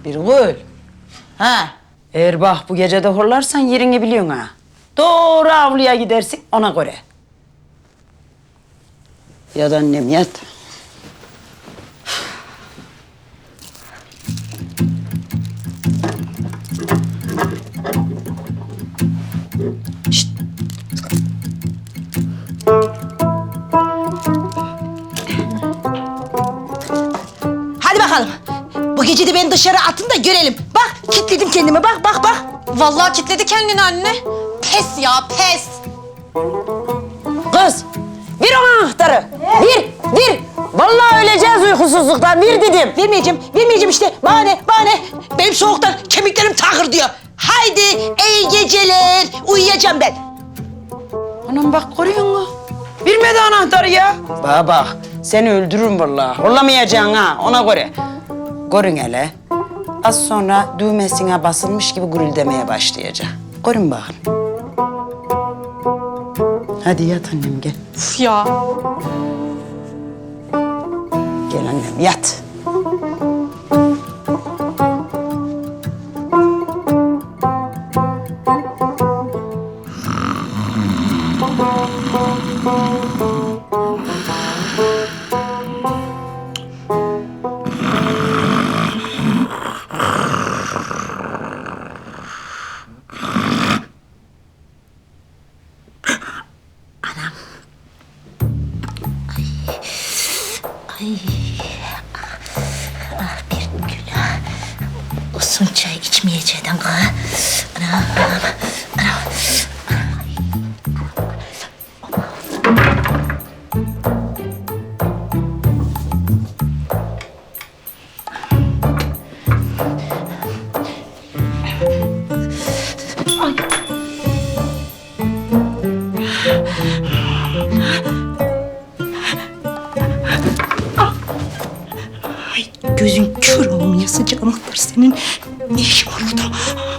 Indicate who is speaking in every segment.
Speaker 1: Birgül. Ha. Eğer bak bu gece de horlarsan yerini biliyorsun ha. Doğru avluya gidersin ona göre. Yat annem yat. Şişt.
Speaker 2: Hadi bakalım. Bu gece de beni dışarı atın da görelim. Bak kilitledim kendimi bak bak bak.
Speaker 3: Vallahi kilitledi kendini anne. Pes ya pes.
Speaker 1: Kız, ver ona anahtarı. Ver. Vallahi öleceğiz uykusuzluktan, ver dedim.
Speaker 2: Vermeyeceğim işte. Bahane. Benim soğuktan kemiklerim takır diyor. Haydi iyi geceler. Uyuyacağım ben.
Speaker 1: Anam bak görüyor musun? Vermedi anahtarı ya. Bana bak, seni öldürürüm vallahi. Horlamayacaksın ha, ona göre. Görün hele. Az sonra düğmesine basılmış gibi gürüldemeye başlayacak. Görün bakın. Hadi yat annem gel.
Speaker 3: Uf ya.
Speaker 1: Gel annem yat.
Speaker 2: Bir günah. Usun çay içmeyeceğim ha. Anam. Gözün kör olmayasıca anahtar senin. Ne işin var orada?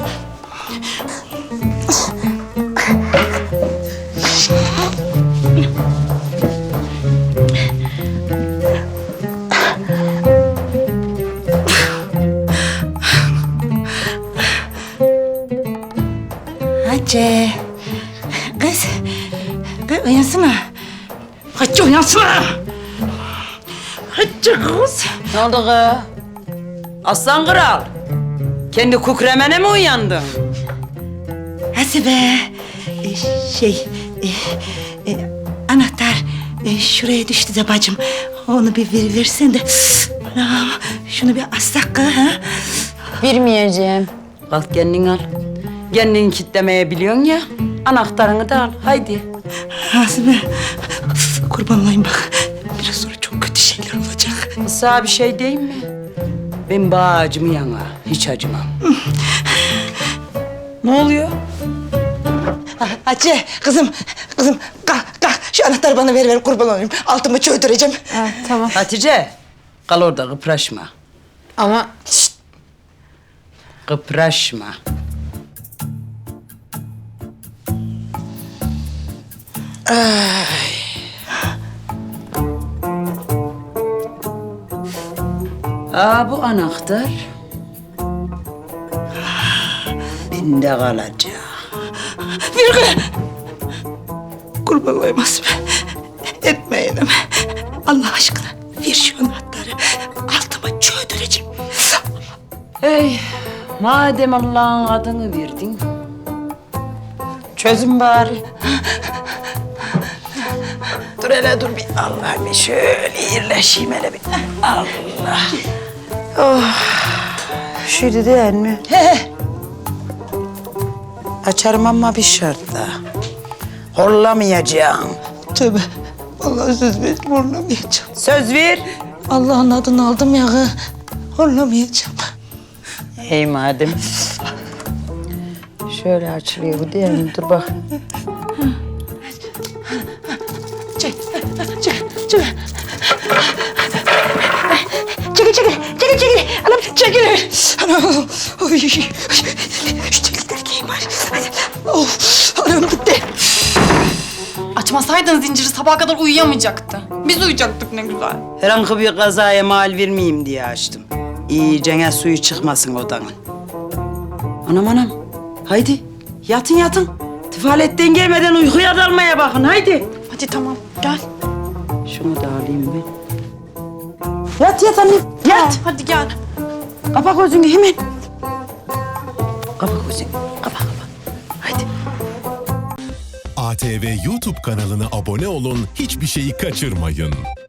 Speaker 2: Hacı. Kız uyansana. Hacı uyansana. Hacı kız.
Speaker 1: Ne oldu kız? Aslan kral. Kendi kukremene mi uyandın?
Speaker 2: Hasibe. Anahtar şuraya düştü de bacım. Onu bir versen de. Anam, şunu bir assak kız, ha?
Speaker 1: Vermeyeceğim. Kalk kendin al. Kendini kitlemeye biliyorsun ya. Anahtarını da al. Haydi.
Speaker 2: Hasibe. Kurban olayım bak. Biraz sonra çok kötü şeyler olacak.
Speaker 1: Sana bir şey diyeyim mi? Ben bağacımı yana hiç acımam. Ne oluyor?
Speaker 2: Hacı, kızım. Kalk. Şu anahtarı bana ver kurban olayım. Altımı çöldüreceğim.
Speaker 3: Tamam.
Speaker 1: Hatice, kal orada kıpraşma.
Speaker 3: Ama
Speaker 1: Kıpraşma. Bu anahtar bende kalacak.
Speaker 2: Virgül. Kurban olayım Hasibe. Etmeyin ama. Allah aşkına ver şu anahtarı. Altıma çöldüreceğim.
Speaker 1: Hey, madem Allah'ın adını verdin, çözün bari. Dur hele dur bir Allah bir şöyle yerleşeyim hele bir. Allah. Oh, şuydu değil mi?
Speaker 2: He.
Speaker 1: Açarım ama bir şartla. Horlamayacağım.
Speaker 2: Tövbe. Vallahi söz ver, horlamayacağım.
Speaker 1: Söz ver.
Speaker 2: Allah'ın adını aldım ya. Horlamayacağım.
Speaker 1: Hey madem. Şöyle açılıyor bu değil mi? Dur bak.
Speaker 2: Çekil. Anam çekil. Anam. Oy. Şu telikler giyin bari. Of. Anam gitti.
Speaker 3: açmasaydın zinciri sabaha kadar uyuyamayacaktı. Biz uyuyacaktık ne güzel.
Speaker 1: Herhangi bir kazaya mal vermeyeyim diye açtım. İyicene suyu çıkmasın odanın. Anam anam. Haydi yatın yatın. Tufaletten gelmeden uykuya dalmaya bakın haydi.
Speaker 3: Hadi tamam gel.
Speaker 1: Şunu da alayım ben. Yat yat annem yat.
Speaker 3: Hadi gel.
Speaker 1: Kapa gözünü hemen. Kapa gözünü. Kapa. Haydi.
Speaker 4: ATV YouTube kanalına abone olun, hiçbir şeyi kaçırmayın.